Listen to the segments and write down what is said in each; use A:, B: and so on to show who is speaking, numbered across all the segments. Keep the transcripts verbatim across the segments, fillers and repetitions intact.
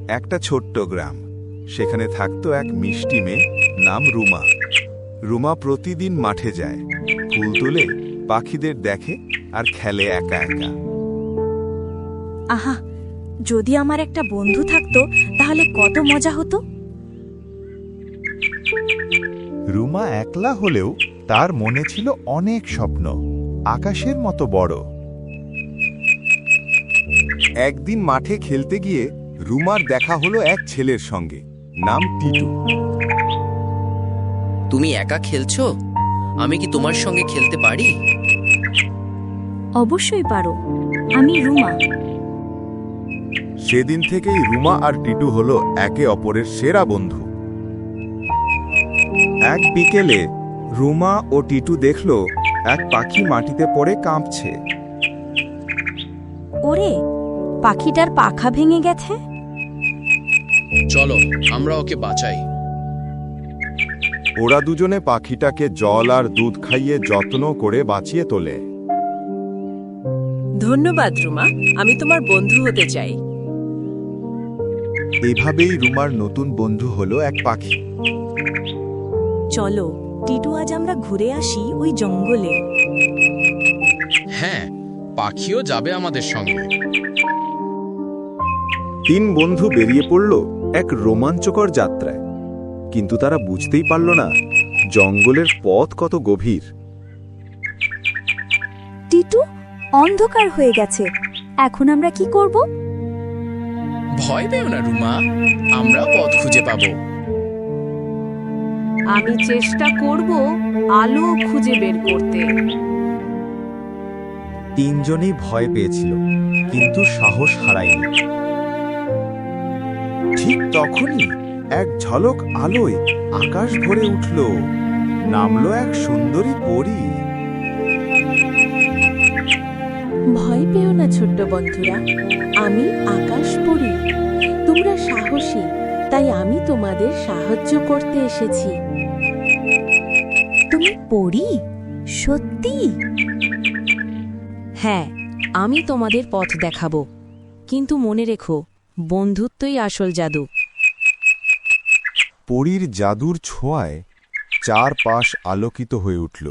A: একটা ছোট্ট গ্রাম। সেখানে থাকতো এক মিষ্টি মেয়ে, নাম রুমা। রুমা প্রতিদিন মাঠে যায়, ফুল তুলে, পাখিদের দেখে আর খেলে একা একা।
B: আহা, যদি আমার একটা বন্ধু থাকতো তাহলে কত মজা হতো।
C: রুমা একলা হলেও তার মনে ছিল অনেক স্বপ্ন, আকাশের মতো বড়।
A: একদিন মাঠে খেলতে গিয়ে রুমার দেখা হলো এক ছেলের সঙ্গে, নাম টিটু।
D: তুমি একা খেলছো? আমি কি তোমার সঙ্গে খেলতে পারি?
B: অবশ্যই পারো, আমি রুমা।
A: সেদিন থেকেই রুমা আর টিটু হলো একে অপরের সেরা বন্ধু। এক বিকেলে রুমা ও টিটু দেখল এক পাখি মাটিতে পড়ে কাঁপছে।
B: ওরে, পাখিটার পাখা ভেঙে গেছে।
D: চলো আমরা ওকে বাঁচাই।
A: ওরা দুজনে পাখিটাকে জল আর দুধ খাইয়ে যত্ন করে বাঁচিয়ে তোলে।
E: ধন্যবাদ রুমা, আমি তোমার বন্ধু হতে চাই।
A: এভাবেই রুমার নতুন বন্ধু হলো এক পাখি।
B: চলো টিটু, আজ আমরা ঘুরে আসি ওই জঙ্গলে।
D: হ্যাঁ, পাখিও যাবে আমাদের সঙ্গে।
A: তিন বন্ধু বেরিয়ে পড়ল এক রোমাঞ্চকর যাত্রায়, কিন্তু তারা বুঝতেই পারল না জঙ্গলের পথ কত গভীর।
B: টিটু, অন্ধকার হয়ে গেছে, এখন আমরা কি করব?
D: ভয় পেও না রুমা, আমরা পথ খুঁজে পাবো।
E: আমি চেষ্টা করব আলো খুঁজে বের করতে।
A: তিনজনেই ভয় পেয়েছিল, কিন্তু সাহস হারায়নি। ঠিক তখনই এক ঝলক আলোয় আকাশ ভরে উঠল, নামলো এক সুন্দরী পরী।
E: ভয় পেও না ছোট্ট বন্ধুরা, আমি আকাশ পড়ি। তোমরা সাহসী, তাই আমি তোমাদের সাহায্য করতে এসেছি।
B: তুমি পড়ি? সত্যি?
E: হ্যাঁ, আমি তোমাদের পথ দেখাবো, কিন্তু মনে রেখো, বন্ধুত্বই আসল জাদু।
A: পরীর জাদুর ছোঁয়ায় চারপাশ আলোকিত হয়ে উঠল।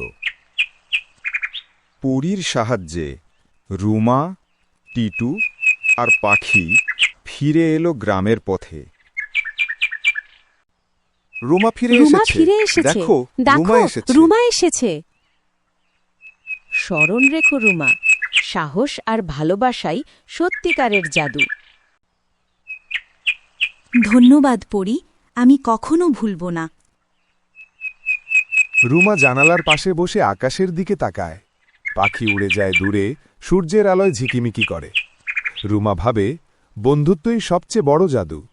A: পরীর সাহায্যে রুমা, টিটু আর পাখি ফিরে এলো গ্রামের পথে। রুমা ফিরে
E: রুমা
A: এসেছে।
E: ফিরে এসেছে।
A: দেখো, রুমা এসেছে।
E: রুমা এসেছে। স্মরণ রেখো রুমা, সাহস আর ভালোবাসাই সত্যিকারের জাদু।
B: ধন্যবাদ পড়ি, আমি কখনো ভুলব না।
A: রুমা জানালার পাশে বসে আকাশের দিকে তাকায়। পাখি উড়ে যায় দূরে, সূর্যের আলোয় ঝিকিমিকি করে। রুমা ভাবে, বন্ধুত্বই সবচেয়ে বড় জাদু।